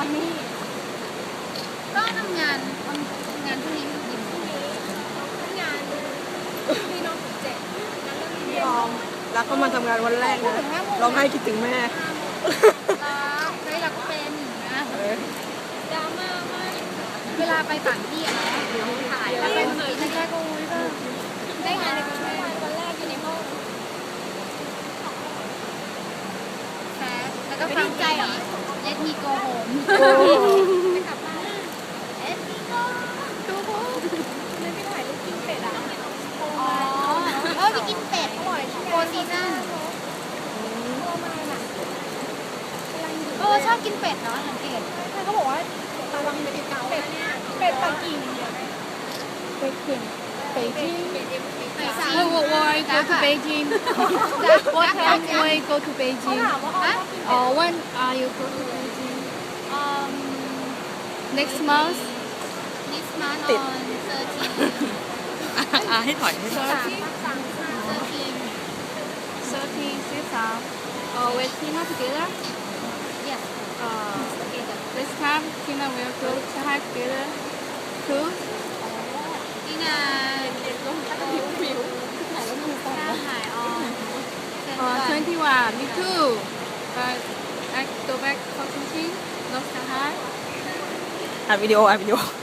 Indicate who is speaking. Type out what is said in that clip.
Speaker 1: อนนี้
Speaker 2: ก็ทำงานพรุ่งนี้ไม่กิน
Speaker 1: งานพี่น้องถึง7นั้นก็มีเรียน
Speaker 3: แล้วก็มาทำงานวันแรกนะร้องไห้คิดถึงแม่
Speaker 2: รักเป็นนะ
Speaker 1: ดราม่ามาก
Speaker 2: เวลาไปต่างที่อะนะถ่ายแล้วเป็นปีแรกๆก็อุ้ยก็
Speaker 1: ได้งานในกรุงเทพวันแรกอยู่ในห้อง
Speaker 2: แพ้แล้วก็ฟังใจเย็ดมีโกโฮม
Speaker 1: จะกลับบ้านเอ็ดดี้ก็ดูพวกเลยไปถ่ายรูปกินเป็ดอ่ะ
Speaker 2: อ๋อไปกินเป็ด
Speaker 1: อร่อยที่
Speaker 2: โฟร์ซีซั่น
Speaker 1: ตัวมาน่ะ
Speaker 2: ชอบกินเป็ดเนาะสังเกต
Speaker 1: เขาบอกว่าตาลังเป็ดเก่าเป็ดปักกิ่งเป็ดกิ่ง北京
Speaker 4: 我 go to Beijing. What time will you go to
Speaker 1: เขา
Speaker 4: Beijing?
Speaker 1: ถามว่าเขา
Speaker 4: When are you go to Beijing?
Speaker 2: um
Speaker 4: Next month?
Speaker 2: next month on
Speaker 3: ให้ถอยให้ถอย
Speaker 4: 13, 13. With Tina together?
Speaker 2: yes
Speaker 4: This time Tina will go Shanghai together too.
Speaker 2: นี่นะถ่ายออน
Speaker 4: 21, me too. But I go back for teaching, not Shanghai.
Speaker 3: อัดวิดีโอ